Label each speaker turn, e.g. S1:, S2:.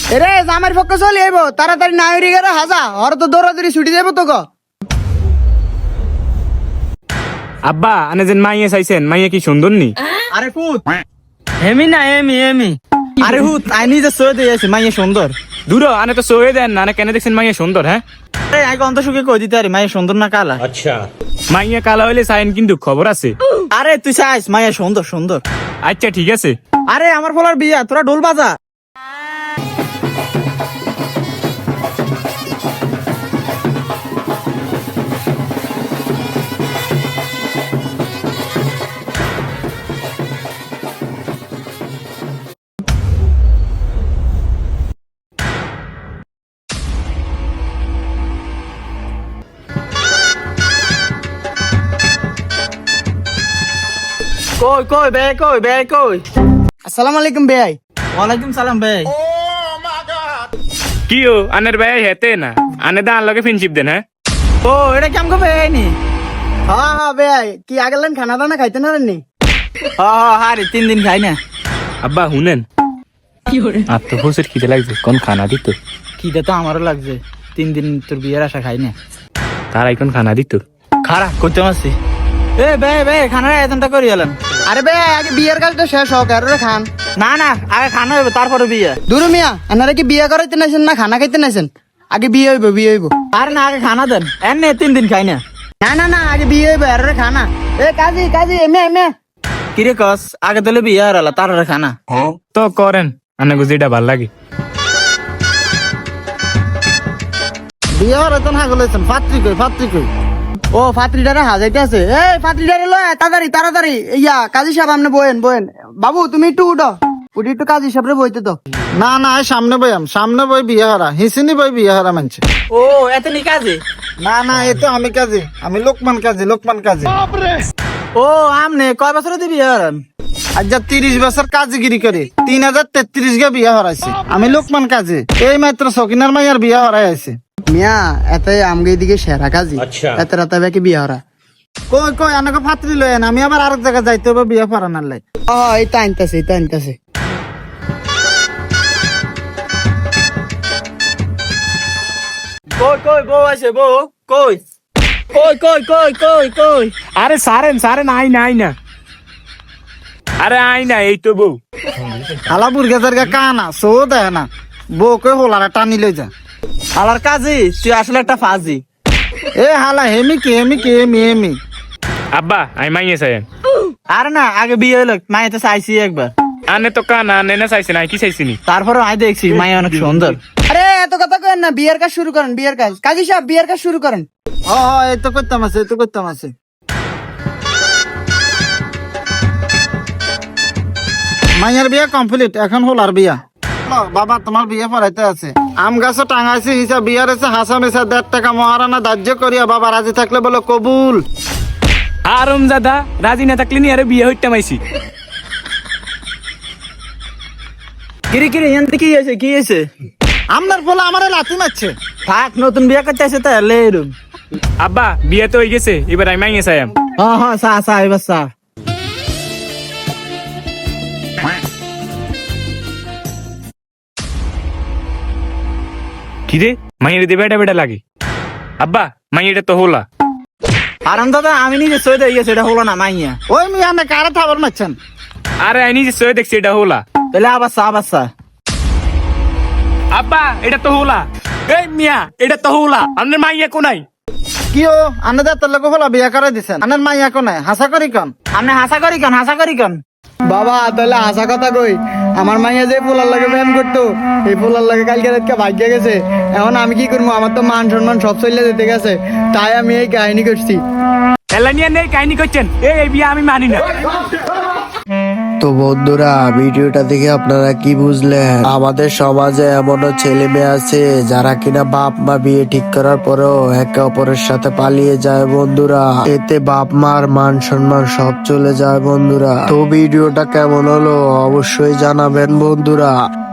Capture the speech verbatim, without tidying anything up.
S1: এরে জামার পক্ষে চলে আইব তাড়াতাড়ি না হইরে গেলে হাজা ওর তো দৌড়াদৌড়ি ছুটি যাবো তো গো।
S2: আব্বা আনে যেন মাইয়ে চাইছেন, মাইয়ে কি সুন্দর নি?
S1: আরে ফুট হেমি না এমি এমি আরে হুত আই নিজে সয়ে দিয়ে আছে মাইয়ে সুন্দর।
S2: দূর আনে তো সয়ে দেন না, কেন দেখছেন মাইয়ে সুন্দর? হ্যাঁ
S1: আরে আগে অন্ত সুখে কই দিতে আরে মাইয়ে সুন্দর না কালা?
S2: আচ্ছা মাইয়ে কালা হইলে চাইন কিন্তু খবর আছে।
S1: আরে তুই চাইস মাইয়ে সুন্দর সুন্দর।
S2: আচ্ছা ঠিক আছে।
S1: আরে আমার ফলার বিয়া তোরা ঢোল বাজা। কই কই বে কই বে কই। আসসালামু আলাইকুম ভাই। ওয়ালাইকুম সালাম ভাই।
S2: কি ও আনের ভাই হেতে না আনে দা লগে ফ্রেন্ডশিপ দেন? হ্যাঁ
S1: ও এটা কেমন কবে আইনি? হ্যাঁ হ্যাঁ ভাই কি আগেলেন খানা দানা খাইতে না নি? হ্যাঁ হ্যাঁ হারে তিন দিন খাই না।
S2: আব্বা শুনেন আর তো বসের খিদে লাগছে, কোন খানা দিত?
S1: খিদে তো আমারও লাগছে, তিন দিন তোর বিয়ের আশা খাই না।
S2: তার এখন খানা দিত
S1: খারাপ করতে পারছি। এ বে বে খানার আয়োজনটা করি এলাম। আরে বে আগে বিয়ের কাজটা শেষ হোক আর খান। না না আগে খানা হইব তারপরে বিয়ে। দূর মিয়া আপনারা কি বিয়ে করাইতে নাইছেন না খানা খাইতে নাইছেন? আগে বিয়ে হইব বিয়ে হইব। আরে না আগে খানা দেন, এনে তিন দিন খাই না। না না না আগে বিয়ে হইব আর খানা। এ কাজী কাজী এমে এমে কিরে কস আগে তাহলে বিয়ে আর আলা তারপরে খানা।
S2: তো করেন আনে গুজিটা ভাল লাগে।
S1: বিয়ে হরে তো না গলেছেন ফাত্রি কই ফাত্রি কই। ও ফাত্রিটারে হাজাইতে আছে। এই ফাত্রিটারে লয় তাড়াতাড়ি তাড়াতাড়ি ইয়া কাজী সাহেব আপনি বয়েন বয়েন। বাবু তুমি একটু উঠো, উঠি একটু কাজী সাহেবরে বইতে তো।
S3: না না সামনে বইয়াম সামনে বই বিয়ে হারা হিসিনি বই বিয়ে হারা মানছে।
S1: ও এতনি কাজী?
S3: না না এ তো আমি কাজী, আমি লোকমান কাজী লোকমান কাজী।
S1: ও আমনে কয় বছর দিয়ে বিয়ে হরেন?
S3: আজ যা তিরিশ বছর কাজগিরি করে তিন হাজার তেত্রিশ গে বিয়ে হরাইছে। আমি লোকমান কাজী, এই মাত্র সকিনার মাইয়ার বিয়ে হরাই আছে।
S1: মিয়া এতে আমগে দিকে সেরা কাজী এত রাতে বাকি বিয়ে হরা।
S3: কই কই আনাকে ফাত্রি লয়েন, আমি আবার আরেক জায়গায় যাইতে হবে বিয়ে পড়ানোর লাই।
S1: ও এটা আনতেছে এটা আনতেছে। কই কই বউ আছে বউ কই কই কই কই কই কই।
S2: আরে সারেন সারেন আই না আই না আরে আই না এই তো বউ।
S3: হালা বুর্গা জারগা কানা সো দেয় না বউ কই হোলারা টানি লই যা।
S1: আলার কাজী তুই আসলে একটা ফাজি।
S3: এ হালা হেমি কি হেমি কি হেমি হেমি।
S2: আব্বা আই মাইয়ে চাইন।
S1: আরে না আগে বিয়ে হলো মায়ে তো চাইছি একবার।
S2: আনে তো কানা আনে না চাইছেন, আই কি চাইছিনি?
S1: তারপরে আমি দেখছি মায়ে অনেক সুন্দর। আরে এত কথা কেন না, বিয়ের কাজ শুরু করেন বিয়ের কাজ। কাজী সাহেব বিয়ের কাজ শুরু করেন।
S3: হ হ এই তো করতাম আছে এই তো করতাম আছে। মাইয়ার বিয়ে কমপ্লিট, এখন হোলার বিয়া। বাবা তোমার বিয়ে পড়াইতে আছে। আম গাছও টাঙাইছে হিসাব বিয়ার আছে হাসা মেসা দেড় টাকা মহারানা ধার্য করিয়া বাবা রাজি থাকলে বলো কবুল।
S2: আরম দাদা রাজি না থাকলে নি আরে বিয়ে হইতে মাইছি।
S1: কিরে কিরে এনতে কি হয়েছে কি হয়েছে?
S3: আমনার বলে আমারে লাথি মারছে।
S1: থাক নতুন বিয়ে করতে আছে তাহলে এরম।
S2: আব্বা বিয়ে তো হয়ে গেছে, এবার আমি মাইয়ে চাইম।
S1: হ্যাঁ হ্যাঁ সা সা এবার সা।
S2: কিরে মাইয়ের দিয়ে বেটা বেটা লাগে। আব্বা মাইয়েটা তো হোলা।
S1: আরাম দাদা আমি নিজে সই দিয়ে গেছি, এটা হলো না মাইয়া।
S3: ওই মিয়া না কারে থাবার মারছেন?
S2: আরে আই নিজে সয়ে দেখছি এটা হোলা।
S1: তাহলে আবার সা আবার সা।
S2: আব্বা এটা তো হোলা। এই মিয়া এটা তো হোলা, আপনার মাইয়া কোনাই?
S3: কি ও আনে দা তোর লোক হলা বিয়া করে দিছেন, আনের মাইয়া কোনে হাসা করি কন?
S1: আপনি হাসা করি কেন হাসা করি কেন? বাবা তাহলে হাসা কথা কই, আমার মাইয়া যে পোলার লাগে প্রেম করতো এই পোলার লাগে কালকে রাতকে ভাগ্য গেছে। এখন আমি কি করবো, আমার তো মান সম্মান সব চলে যেতে গেছে, তাই আমি এই কাহিনী করছি।
S2: এলা নিয়ে নেই কাহিনী করছেন, এই এই বিয়ে আমি মানি না।
S4: তো বন্ধুরা ভিডিওটা দেখে আপনারা কি বুঝলেন? আমাদের সমাজে এমনও ছেলে মেয়ে আছে যারা কিনা বাপ মা বিয়ে ঠিক করার পরেও একে অপরের সাথে পালিয়ে যায় বন্ধুরা। এতে বাপ মার মান সম্মান সব চলে যায় বন্ধুরা। তো ভিডিওটা কেমন হলো অবশ্যই জানাবেন বন্ধুরা।